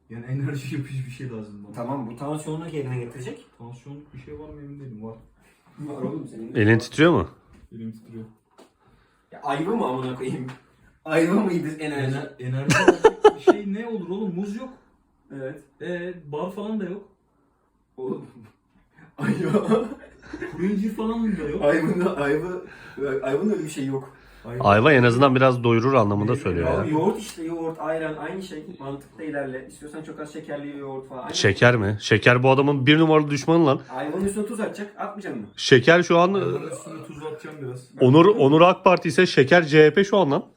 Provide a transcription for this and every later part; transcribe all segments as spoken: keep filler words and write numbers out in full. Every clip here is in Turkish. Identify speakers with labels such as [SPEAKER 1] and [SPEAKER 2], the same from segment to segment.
[SPEAKER 1] Yani enerji yapıcı bir şey lazım bana.
[SPEAKER 2] Tamam, bu tansiyonunu yerine getirecek.
[SPEAKER 1] Tansiyonluk bir şey var mı emin değilim. Var.
[SPEAKER 2] Var oğlum senin.
[SPEAKER 3] Elin titriyor mu?
[SPEAKER 1] Elim titriyor.
[SPEAKER 2] Ya, ayva mı amına koyayım? Ayva mıydı enerji?
[SPEAKER 1] Ener enerji alacak bir şey ne olur oğlum? Muz yok.
[SPEAKER 2] Evet.
[SPEAKER 1] Ee, bar falan da yok.
[SPEAKER 2] Oğlum. Ayva.
[SPEAKER 1] Kuru incir falan da yok.
[SPEAKER 2] Ayvanın ayva. Ayvanın öyle bir şey yok.
[SPEAKER 3] Ayva en azından biraz doyurur anlamında
[SPEAKER 1] Ne-
[SPEAKER 3] söylüyor
[SPEAKER 2] Ya
[SPEAKER 3] ya.
[SPEAKER 2] yoğurt işte, yoğurt, ayran aynı şey. Mantıkla ilerle. İstiyorsan çok az şekerli yoğurt falan. Aynı
[SPEAKER 3] Şeker mi? Şeker bu adamın bir numaralı düşmanı lan.
[SPEAKER 2] Ayvanın üstüne tuz atacak. Atmayacaksın mı?
[SPEAKER 3] Şeker şu an
[SPEAKER 1] Ayvanın üstüne tuz atacağım biraz.
[SPEAKER 3] Onur Onur AK Parti ise Şeker C H P şu an lan.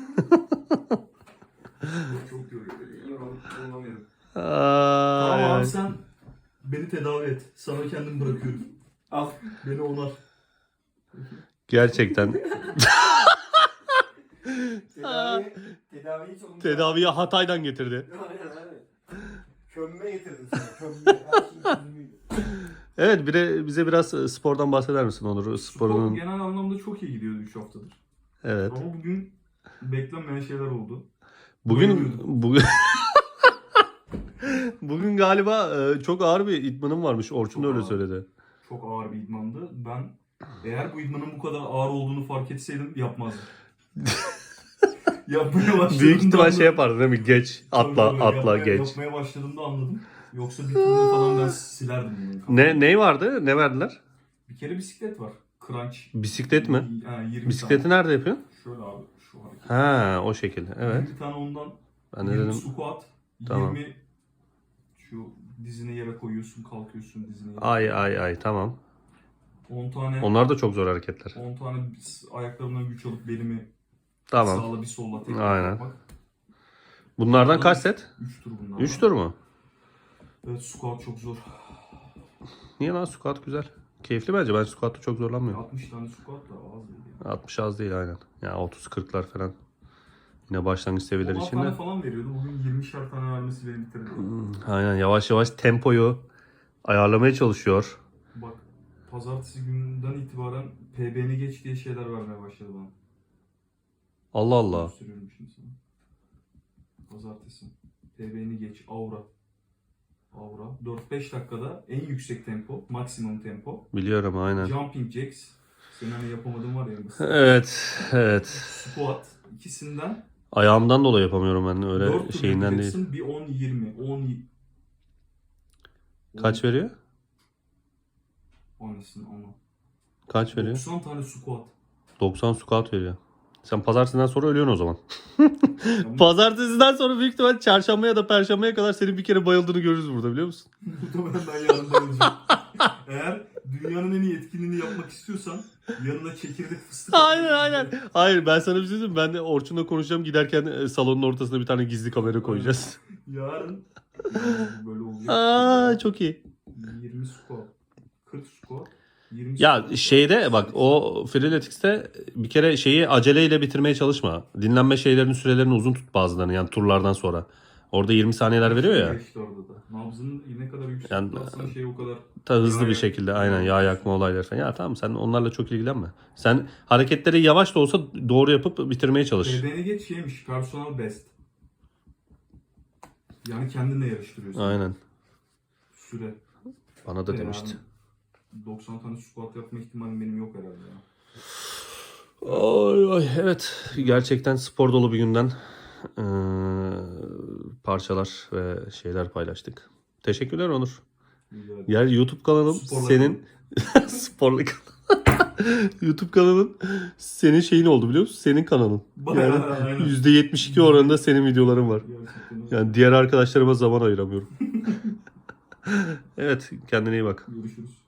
[SPEAKER 1] Çok yoruyor.
[SPEAKER 2] Yorum, yorumlamıyorum.
[SPEAKER 1] Tamam
[SPEAKER 3] Ay.
[SPEAKER 1] abi sen beni tedavi et. Sana kendim bırakıyorum.
[SPEAKER 2] Al.
[SPEAKER 1] Beni onar.
[SPEAKER 3] Gerçekten
[SPEAKER 2] Tedavi, tedaviyi çok
[SPEAKER 3] tedaviyi Hatay'dan getirdi.
[SPEAKER 2] Aynen aynen. Kömme getirdin sana. Kömme. Her şeyin çözümüydü.
[SPEAKER 3] Evet, bire, bize biraz spordan bahseder misin Onur?
[SPEAKER 1] Spor
[SPEAKER 3] Sporunun
[SPEAKER 1] genel anlamda çok iyi gidiyordu üç haftadır.
[SPEAKER 3] evet.
[SPEAKER 1] Ama bugün beklenmeyen şeyler oldu.
[SPEAKER 3] Bugün
[SPEAKER 1] Bayılıyordum.
[SPEAKER 3] bugün bugün galiba e, çok ağır bir idmanım varmış. Orçun da
[SPEAKER 1] Çok
[SPEAKER 3] öyle
[SPEAKER 1] ağır.
[SPEAKER 3] söyledi.
[SPEAKER 1] Çok ağır bir idmandı. Ben eğer bu idmanın bu kadar ağır olduğunu fark etseydim yapmazdım. Yapmaya başladığımda
[SPEAKER 3] Büyük ihtimal
[SPEAKER 1] anladım.
[SPEAKER 3] şey yapardın değil mi? Geç, atla,
[SPEAKER 1] Tabii, tabii.
[SPEAKER 3] atla,
[SPEAKER 1] yapmaya,
[SPEAKER 3] geç.
[SPEAKER 1] Yapmaya başladığımda anladım. Yoksa bir turnu falan ben silerdim bunu.
[SPEAKER 3] Ne ne vardı? Ne verdiler?
[SPEAKER 1] Bir kere bisiklet var. Crunch.
[SPEAKER 3] Bisiklet mi?
[SPEAKER 1] Ha, yirmi
[SPEAKER 3] Bisikleti
[SPEAKER 1] tane.
[SPEAKER 3] nerede yapıyorsun?
[SPEAKER 1] Şöyle abi şu hareket.
[SPEAKER 3] Ha, o şekilde. Evet.
[SPEAKER 1] yirmi tane ondan.
[SPEAKER 3] Ben de
[SPEAKER 1] yirmi
[SPEAKER 3] dedim.
[SPEAKER 1] squat.
[SPEAKER 3] Tamam.
[SPEAKER 1] yirmi şu dizini yere koyuyorsun, kalkıyorsun dizini yere.
[SPEAKER 3] Ay ay ay, tamam.
[SPEAKER 1] on tane
[SPEAKER 3] Onlar da çok zor hareketler.
[SPEAKER 1] on tane ayaklarımdan güç alıp belimi
[SPEAKER 3] Tamam.
[SPEAKER 1] sağla bir solla tekrar
[SPEAKER 3] Aynen.
[SPEAKER 1] yapmak.
[SPEAKER 3] Bunlardan kaç set?
[SPEAKER 1] üç tur bunlar.
[SPEAKER 3] üç tur mu?
[SPEAKER 1] Evet, squat çok zor.
[SPEAKER 3] Niye lan, squat güzel. Keyifli bence. Ben squat'ta çok zorlanmıyorum.
[SPEAKER 1] altmış tane squat da az değil. Yani.
[SPEAKER 3] altmış az değil aynen. Yani otuz kırklar falan. Yine başlangıç seviyeleri
[SPEAKER 1] on
[SPEAKER 3] için
[SPEAKER 1] tane
[SPEAKER 3] de.
[SPEAKER 1] falan veriyordu. Bugün yirmişer tane vermesi beni bitirdi.
[SPEAKER 3] Hmm, aynen, yavaş yavaş tempoyu ayarlamaya çalışıyor.
[SPEAKER 1] Bak, pazartesi gününden itibaren P B'ni geç diye şeyler vermeye başladı bana.
[SPEAKER 3] Allah Allah.
[SPEAKER 1] Gösteriyorum şimdi sana. Pazartesi. P B'ni geç. Aura. Aura. dört beş dakikada en yüksek tempo. Maksimum tempo.
[SPEAKER 3] Biliyorum aynen.
[SPEAKER 1] Jumping jacks. Senin hani yapamadığın var ya.
[SPEAKER 3] Evet, evet.
[SPEAKER 1] Squat. İkisinden
[SPEAKER 3] Ayağımdan dolayı yapamıyorum ben,
[SPEAKER 1] dört
[SPEAKER 3] öyle
[SPEAKER 1] tur
[SPEAKER 3] şeyinden değil.
[SPEAKER 1] yapacaksın. Bir on yirmi. on
[SPEAKER 3] Kaç veriyor?
[SPEAKER 1] Anasını ama.
[SPEAKER 3] Kaç veriyor?
[SPEAKER 1] doksan tane squat.
[SPEAKER 3] doksan squat veriyor. Sen pazartesinden sonra ölüyorsun o zaman.
[SPEAKER 1] Yani
[SPEAKER 3] Pazartesiden sonra büyük ihtimal çarşamba ya da perşembeye kadar senin bir kere bayıldığını görürüz burada, biliyor musun?
[SPEAKER 1] muhtemelen ben yarın bayılacağım. Eğer dünyanın en iyi etkinliğini yapmak istiyorsan yanına çekirdek fıstık.
[SPEAKER 3] Aynen aynen. Hayır, ben sana bir şey söyleyeyim. Ben de Orçun'la konuşacağım. Giderken e, salonun ortasına bir tane gizli kamera koyacağız.
[SPEAKER 1] Yarın böyle olacak.
[SPEAKER 3] Aa, çok iyi.
[SPEAKER 1] yirmi squat. kırk squat. yirmi
[SPEAKER 3] Ya
[SPEAKER 1] squat.
[SPEAKER 3] şeyde bak, o Freeletics'te bir kere şeyi aceleyle bitirmeye çalışma. Dinlenme şeylerinin sürelerini uzun tut bazılarını, yani turlardan sonra. Orada yirmi saniyeler veriyor ya.
[SPEAKER 1] İşte orada da. Nabzının ne kadar yüksek
[SPEAKER 3] Yani-
[SPEAKER 1] tutarsan şey o kadar.
[SPEAKER 3] Ta hızlı
[SPEAKER 1] Yağ
[SPEAKER 3] bir
[SPEAKER 1] yak-
[SPEAKER 3] şekilde aynen yağ yakma olayları falan. Ya tamam, sen onlarla çok ilgilenme. Sen hareketleri yavaş da olsa doğru yapıp bitirmeye çalış.
[SPEAKER 1] P B'ni geç şeymiş. Personal best. Yani kendinle yarıştırıyorsun.
[SPEAKER 3] Aynen.
[SPEAKER 1] Süre.
[SPEAKER 3] Bana da
[SPEAKER 1] Yani
[SPEAKER 3] demişti.
[SPEAKER 1] doksan tane squat yapma ihtimalim benim yok herhalde ya.
[SPEAKER 3] Ay, ay, evet, gerçekten spor dolu bir günden eee, parçalar ve şeyler paylaştık. Teşekkürler Onur.
[SPEAKER 1] Güzel.
[SPEAKER 3] Yani YouTube kanalım
[SPEAKER 1] Sporla
[SPEAKER 3] senin sporlu kanal. YouTube kanalın senin şeyin oldu, biliyor musun? Senin kanalın.
[SPEAKER 1] Bayağı,
[SPEAKER 3] Yani
[SPEAKER 1] aynen.
[SPEAKER 3] yüzde yetmiş iki oranında senin videoların var.
[SPEAKER 1] Gerçekten öyle.
[SPEAKER 3] Yani diğer arkadaşlarıma zaman ayıramıyorum. Evet, kendine iyi bak.
[SPEAKER 1] Görüşürüz.